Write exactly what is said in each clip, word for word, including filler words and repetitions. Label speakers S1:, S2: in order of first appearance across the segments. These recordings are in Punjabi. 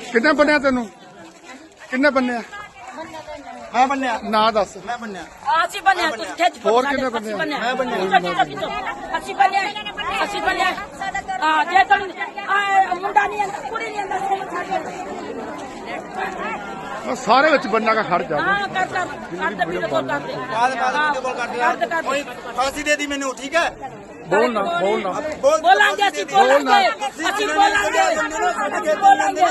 S1: किन्ने बनिया तेन किन्ने बनिया
S2: मैं बनया
S1: ना दस
S2: मैं बनया
S3: अस्सी बने
S1: और किन्ने बने
S2: मैं बनया
S3: अस्सी बने अस्सी बने हाँ जे तो मुंडा नहीं अंदर कुड़ी नहीं अंदर
S1: सारे विच बनना का खड़ जा
S3: हाँ कर कर कर दे वीडियो कॉल कर दे
S2: बाद बाद वीडियो कॉल कर दिया कोई फांसी दे दी मैंने ठीक है
S1: बोलना बोलना
S2: बोल
S3: बोलेंगे ਅਸੀਂ बोलेंगे ਅਸੀਂ बोलेंगे ਅਸੀਂ बोलेंगे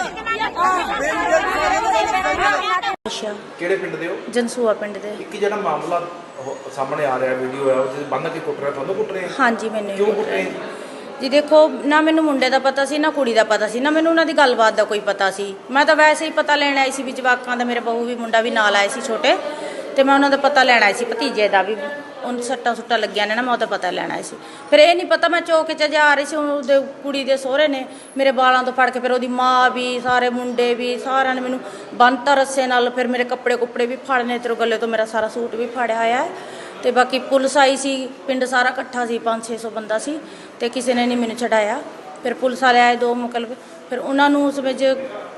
S4: ਅੱਛਾ
S5: ਕਿਹੜੇ ਪਿੰਡ ਦੇ ਹੋ?
S4: ਜਨਸੂਆ ਪਿੰਡ ਦੇ
S5: ਇੱਕ ਜਿਹੜਾ ਮਾਮਲਾ ਉਹ ਸਾਹਮਣੇ ਆ ਰਿਹਾ ਵੀਡੀਓ ਹੈ ਉਹ ਜਿਹਦੇ ਬੰਨ ਕੇ ਕੁੱਟ ਰਿਹਾ ਤੁਹਾਨੂੰ ਕੁੱਟ ਰਹੇ ਆ?
S4: ਹਾਂਜੀ ਮੈਨੂੰ ਹੀ
S5: ਕਿਉਂ
S4: ਕੁੱਟ
S5: ਕੁੱਟ ਰਹੇ
S4: ਰਹੇ।
S5: ਆ?
S4: ਜੀ ਦੇਖੋ ਨਾ ਮੈਨੂੰ ਮੁੰਡੇ ਦਾ ਪਤਾ ਸੀ ਨਾ ਕੁੜੀ ਦਾ ਪਤਾ ਸੀ ਨਾ ਮੈਨੂੰ ਉਹਨਾਂ ਦੀ ਗੱਲਬਾਤ ਦਾ ਕੋਈ ਪਤਾ ਸੀ। ਮੈਂ ਤਾਂ ਵੈਸੇ ਹੀ ਪਤਾ ਲੈਣ ਆਈ ਸੀ ਵੀ ਜਵਾਕਾਂ ਦਾ ਮੇਰੇ ਬਹੂ ਵੀ ਮੁੰਡਾ ਵੀ ਨਾਲ ਆਏ ਸੀ ਛੋਟੇ ਤੇ ਮੈਂ ਉਹਨਾਂ ਦਾ ਪਤਾ ਲੈਣ ਆਈ ਸੀ ਭਤੀਜੇ ਦਾ ਵੀ ਉਹਨੂੰ ਸੱਟਾਂ ਸੁੱਟਾਂ ਲੱਗੀਆਂ ਨੇ ਨਾ ਮੈਂ ਉਹਦਾ ਪਤਾ ਲੈਣ ਆਈ ਸੀ। ਫਿਰ ਇਹ ਨਹੀਂ ਪਤਾ ਮੈਂ ਚੌਕ 'ਚ ਜਾ ਰਹੀ ਸੀ ਉਹਦੇ ਕੁੜੀ ਦੇ ਸਹੁਰੇ ਨੇ ਮੇਰੇ ਬਾਲਾਂ ਤੋਂ ਫੜ ਕੇ ਫਿਰ ਉਹਦੀ ਮਾਂ ਵੀ ਸਾਰੇ ਮੁੰਡੇ ਵੀ ਸਾਰਿਆਂ ਨੇ ਮੈਨੂੰ ਬੰਨ੍ਹਤਾ ਰੱਸੇ ਨਾਲ। ਫਿਰ ਮੇਰੇ ਕੱਪੜੇ ਕੁੱਪੜੇ ਵੀ ਫੜਨੇ ਤੇ ਗੱਲੇ ਤੋਂ ਮੇਰਾ ਸਾਰਾ ਸੂਟ ਵੀ ਫੜਿਆ ਹੋਇਆ ਹੈ ਤੇ ਬਾਕੀ ਪੁਲਿਸ ਆਈ ਸੀ ਪਿੰਡ ਸਾਰਾ ਇਕੱਠਾ ਸੀ ਪੰਜ ਛੇ ਸੌ ਬੰਦਾ ਸੀ ਤੇ ਕਿਸੇ ਨੇ ਨਹੀਂ ਮੈਨੂੰ ਛਡਾਇਆ। ਫਿਰ ਪੁਲਿਸ ਵਾਲੇ ਆਏ ਦੋ ਮੁਕਲਬ ਫਿਰ ਉਹਨਾਂ ਨੂੰ ਉਸ ਵਿੱਚ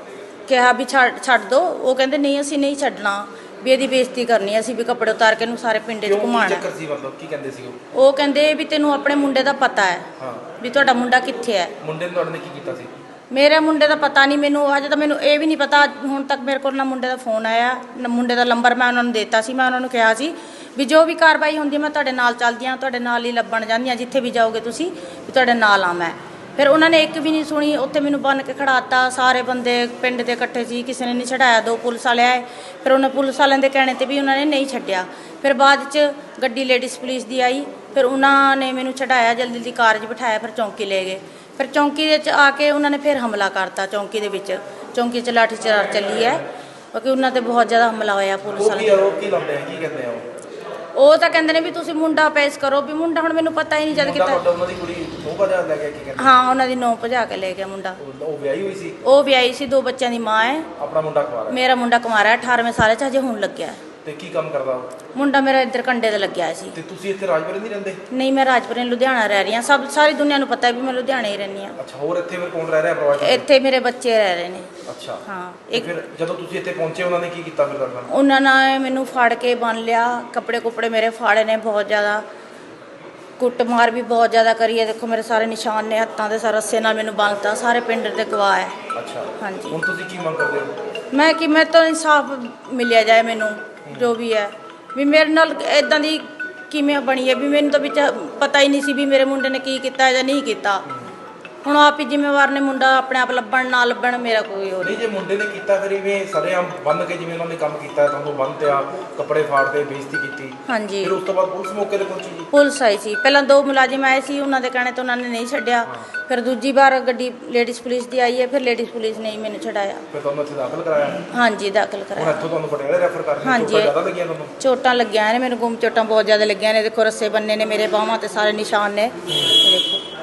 S4: ਕਿਹਾ ਵੀ ਛੱਡ ਛੱਡ ਦਿਓ। ਉਹ ਕਹਿੰਦੇ ਨਹੀਂ ਅਸੀਂ ਨਹੀਂ ਛੱਡਣਾ ਵੀ ਇਹਦੀ ਬੇਇੱਜ਼ਤੀ ਕਰਨੀ ਅਸੀਂ ਵੀ ਕੱਪੜੇ ਉਤਾਰ ਕੇ ਇਹਨੂੰ ਸਾਰੇ ਪਿੰਡ 'ਚ
S5: ਕਿਉਂ ਕੀ
S4: ਘੁਮਾਉਣਾ।
S5: ਚੱਕਰ ਸੀ ਮਤਲਬ ਕੀ ਕਹਿੰਦੇ ਸੀ ਉਹ?
S4: ਉਹ ਕਹਿੰਦੇ ਵੀ ਤੈਨੂੰ ਆਪਣੇ ਮੁੰਡੇ ਦਾ ਪਤਾ ਹੈ
S5: ਹਾਂ
S4: ਵੀ ਤੁਹਾਡਾ ਮੁੰਡਾ ਕਿੱਥੇ ਹੈ।
S5: ਮੁੰਡੇ ਨੇ ਤੁਹਾਡੇ ਨੇ ਕੀ ਕੀਤਾ ਸੀ?
S4: ਮੇਰੇ ਮੁੰਡੇ ਦਾ ਪਤਾ ਨਹੀਂ ਮੈਨੂੰ ਅਜੇ ਤਾਂ ਮੈਨੂੰ ਇਹ ਵੀ ਨਹੀਂ ਪਤਾ ਹੁਣ ਤੱਕ ਮੇਰੇ ਕੋਲ ਨਾ ਮੁੰਡੇ ਦਾ ਫੋਨ ਆਇਆ ਨਾ ਮੁੰਡੇ ਦਾ ਨੰਬਰ ਮੈਂ ਉਹਨਾਂ ਨੂੰ ਦਿੱਤਾ ਸੀ। ਮੈਂ ਉਹਨਾਂ ਨੂੰ ਕਿਹਾ ਸੀ ਵੀ ਜੋ ਵੀ ਕਾਰਵਾਈ ਹੁੰਦੀ ਹੈ ਮੈਂ ਤੁਹਾਡੇ ਨਾਲ ਚੱਲਦੀ ਹਾਂ ਤੁਹਾਡੇ ਨਾਲ ਹੀ ਲੱਭਣ ਜਾਂਦੀ ਹਾਂ ਜਿੱਥੇ ਵੀ ਜਾਓਗੇ ਤੁਸੀਂ ਵੀ ਤੁਹਾਡੇ ਨਾਲ ਆ ਮੈਂ। ਫਿਰ ਉਹਨਾਂ ਨੇ ਇੱਕ ਵੀ ਨਹੀਂ ਸੁਣੀ ਉੱਥੇ ਮੈਨੂੰ ਬੰਨ੍ਹ ਕੇ ਖੜਾਤਾ ਸਾਰੇ ਬੰਦੇ ਪਿੰਡ ਦੇ ਇਕੱਠੇ ਸੀ ਕਿਸੇ ਨੇ ਨਹੀਂ ਛਡਾਇਆ। ਦੋ ਪੁਲਿਸ ਵਾਲੇ ਆਏ ਫਿਰ ਉਹਨਾਂ ਪੁਲਿਸ ਵਾਲਿਆਂ ਦੇ ਕਹਿਣੇ 'ਤੇ ਵੀ ਉਹਨਾਂ ਨੇ ਨਹੀਂ ਛੱਡਿਆ। ਫਿਰ ਬਾਅਦ 'ਚ ਗੱਡੀ ਲੇਡੀਜ਼ ਪੁਲਿਸ ਦੀ ਆਈ ਫਿਰ ਉਹਨਾਂ ਨੇ ਮੈਨੂੰ ਛਡਾਇਆ ਜਲਦੀ ਜਲਦੀ ਕਾਰ 'ਚ ਬਿਠਾਇਆ ਫਿਰ ਚੌਂਕੀ ਲੈ ਗਏ। ਫਿਰ ਚੌਂਕੀ ਦੇ 'ਚ ਆ ਕੇ ਉਹਨਾਂ ਨੇ ਫਿਰ ਹਮਲਾ ਕਰਤਾ ਚੌਂਕੀ ਦੇ ਵਿੱਚ ਚੌਂਕੀ 'ਚ ਲਾਠੀ ਚਾਰ ਚੱਲੀ ਹੈ ਕਿਉਂਕਿ ਉਹਨਾਂ 'ਤੇ ਬਹੁਤ ਜ਼ਿਆਦਾ ਹਮਲਾ ਹੋਇਆ ਪੁਲਿਸ
S5: ਉਹ ਕੀ
S4: ਵਾਲੇ।
S5: ਉਹ ਕੀ ਲਾਉਂਦੇ ਆ ਕੀ ਕਹਿੰਦੇ ਆ ਉਹ?
S4: ਉਹ ਤਾਂ ਕਹਿੰਦੇ ਨੇ ਵੀ ਤੁਸੀਂ ਮੁੰਡਾ ਪੇਸ਼ ਕਰੋ ਵੀ ਮੁੰਡਾ ਹੁਣ ਮੈਨੂੰ ਪਤਾ ਹੀ ਨਹੀਂ ਜਦ
S5: ਮੁੰਡਾ
S4: ਕਿਤਾ
S5: ਤੁਹਾਡਾ ਉਹਨਾਂ ਦੀ ਕੁੜੀ ਉਹ ਬਾਜ਼ਾਰ ਲੈ ਗਿਆ ਕੀ ਕਹਿੰਦੇ?
S4: ਹਾਂ ਉਹਨਾਂ ਦੀ ਨੌਂ ਭਜਾ ਕੇ ਲੈ ਗਿਆ ਮੁੰਡਾ।
S5: ਉਹ- ਉਹ ਵਿਆਹੀ ਹੋਈ ਸੀ
S4: ਉਹ ਵਿਆਹੀ ਸੀ ਦੋ ਬੱਚਿਆਂ ਦੀ ਮਾਂ ਹੈ।
S5: ਆਪਣਾ ਮੁੰਡਾ ਕੁਆਰਾ
S4: ਮੇਰਾ ਮੁੰਡਾ ਕੁਮਾਰਾ ਅਠਾਰਵੇਂ ਸਾਲ 'ਚ ਹਜੇ ਹੁਣ ਲੱਗਿਆ ਹੈ।
S5: ਤੇ ਕੀ ਕੰਮ ਕਰਦਾ ਉਹ?
S4: ਮੁੰਡਾ ਮੇਰਾ ਇੱਧਰ ਕੰਡੇ ਤੇ ਲੱਗਿਆ ਸੀ।
S5: ਤੇ ਤੁਸੀਂ ਇੱਥੇ ਰਾਜਪੁਰੇ ਨਹੀਂ ਰਹਿੰਦੇ?
S4: ਨਹੀਂ ਮੈਂ ਰਾਜਪੁਰੇ ਲੁਧਿਆਣਾ ਰਹਿ ਰਹੀ ਹਾਂ ਸਭ ਸਾਰੀ ਦੁਨੀਆ ਨੂੰ ਪਤਾ ਹੈ ਵੀ ਮੈਂ ਲੁਧਿਆਣੇ ਹੀ ਰਹਿੰਦੀ ਹਾਂ।
S5: ਅੱਛਾ ਹੋਰ ਇੱਥੇ ਫਿਰ ਕੌਣ ਰਹਿ ਰਿਹਾ ਪਰਿਵਾਰ 'ਚ?
S4: ਇੱਥੇ ਮੇਰੇ ਬੱਚੇ ਰਹਿ ਰਹੇ ਨੇ।
S5: ਅੱਛਾ
S4: ਹਾਂ
S5: ਤੇ
S4: ਇੱਕ
S5: ਫਿਰ ਜਦੋਂ ਤੁਸੀਂ ਇੱਥੇ ਪਹੁੰਚੇ ਉਹਨਾਂ ਨੇ ਕੀ ਕੀਤਾ ਫਿਰ ਤੁਹਾਡੇ ਨਾਲ?
S4: ਉਹਨਾਂ ਨੇ ਮੈਨੂੰ ਫੜ ਕੇ ਬੰਨ ਲਿਆ ਕੱਪੜੇ ਕੁੱਪੜੇ ਮੇਰੇ ਫਾੜੇ ਨੇ ਬਹੁਤ ਜ਼ਿਆਦਾ ਕੁੱਟਮਾਰ ਵੀ ਬਹੁਤ ਜ਼ਿਆਦਾ ਕਰੀ ਹੈ। ਦੇਖੋ ਮੇਰੇ ਸਾਰੇ ਨਿਸ਼ਾਨ ਨੇ ਹੱਥਾਂ ਦੇ ਸਾਰੇ ਰੱਸੇ ਨਾਲ ਮੈਨੂੰ ਬੰਨ੍ਹਤਾ ਸਾਰੇ ਪਿੰਡ ਦੇ ਗਵਾਹ ਹੈ।
S5: ਅੱਛਾ
S4: ਹਾਂਜੀ
S5: ਹੁਣ ਤੁਸੀਂ ਕੀ ਮੰਗ ਕਰਦੇ ਹੋ?
S4: ਮੈਂ ਕਿ ਮੇਰੇ ਤੋਂ ਇਨਸਾਫ ਮਿਲਿਆ ਜਾਏ ਮੈਨੂੰ ਜੋ ਵੀ ਹੈ ਵੀ ਮੇਰੇ ਨਾਲ ਇਦਾਂ ਦੀ ਕਿਵੇਂ ਬਣੀ ਹੈ ਵੀ ਮੈਨੂੰ ਤਾਂ ਵਿੱਚ ਪਤਾ ਹੀ ਨਹੀਂ ਸੀ ਵੀ ਮੇਰੇ ਮੁੰਡੇ ਨੇ ਕੀ ਕੀਤਾ ਜਾਂ ਨਹੀਂ ਕੀਤਾ। ਹੁਣ ਆਪ ਹੀ ਜ਼ਿੰਮੇਵਾਰ ਨੇ ਮੁੰਡਾ ਆਪਣੇ ਆਪ ਲੱਭਣ ਨਾ ਲੱਭਣ ਮੇਰਾ ਕੋਈ ਹੋਰ
S5: ਨਹੀਂ ਜੇ ਮੁੰਡੇ ਨੇ ਕੀਤਾ ਫਿਰ ਇਵੇਂ ਸਰੇਆਮ ਬੰਨ ਕੇ ਜਿਵੇਂ ਉਹਨਾਂ ਨੇ ਕੰਮ ਕੀਤਾ ਤੁਹਾਨੂੰ ਬੰਨ੍ਹਤਿਆ ਕੱਪੜੇ ਫਾੜਦੇ ਬੇਇੱਜ਼ਤੀ ਕੀਤੀ
S4: ਹਾਂਜੀ
S5: ਫਿਰ ਉਸ ਤੋਂ ਬਾਅਦ ਪੁਲਿਸ ਮੌਕੇ ਤੇ ਪਹੁੰਚੀ ਜੀ?
S4: ਪੁਲਿਸ ਆਈ ਸੀ ਪਹਿਲਾਂ ਦੋ ਮੁਲਾਜ਼ਮ ਆਏ ਸੀ ਉਹਨਾਂ ਦੇ ਕਹਿਣੇ ਤੋਂ ਉਹਨਾਂ ਨੇ ਨਹੀਂ ਛੱਡਿਆ। ਫਿਰ ਦੂਜੀ ਵਾਰ ਗੱਡੀ ਲੇਡੀਜ਼ ਪੁਲਿਸ ਦੀ ਆਈ ਹੈ ਫਿਰ ਲੇਡੀਜ਼ ਪੁਲਿਸ ਨੇ ਹੀ ਮੈਨੂੰ ਛਡਾਇਆ।
S5: ਫਿਰ ਤੁਹਾਨੂੰ ਇੱਥੇ ਦਾਖਲ ਕਰਾਇਆ?
S4: ਹਾਂਜੀ ਦਾਖਲ
S5: ਹੁਣ
S4: ਕਰਾਇਆ।
S5: ਇੱਥੋਂ ਤੁਹਾਨੂੰ ਪਟਿਆਲੇ ਰੈਫਰ ਕਰ ਰਹੇ
S4: ਹਾਂਜੀ।
S5: ਚੋਟਾਂ ਜ਼ਿਆਦਾ ਲੱਗੀਆਂ ਤੁਹਾਨੂੰ?
S4: ਚੋਟਾਂ ਲੱਗੀਆਂ ਨੇ ਮੈਨੂੰ ਗੁੰਮ ਚੋਟਾਂ ਬਹੁਤ ਜ਼ਿਆਦਾ ਲੱਗੀਆਂ ਨੇ। ਦੇਖੋ ਰੱਸੇ ਬੰਨੇ ਨੇ ਮੇਰੇ ਬਾਹਾਂ ਤੇ ਸਾਰੇ ਨਿਸ਼ਾਨ ਨੇ ਦੇਖੋ।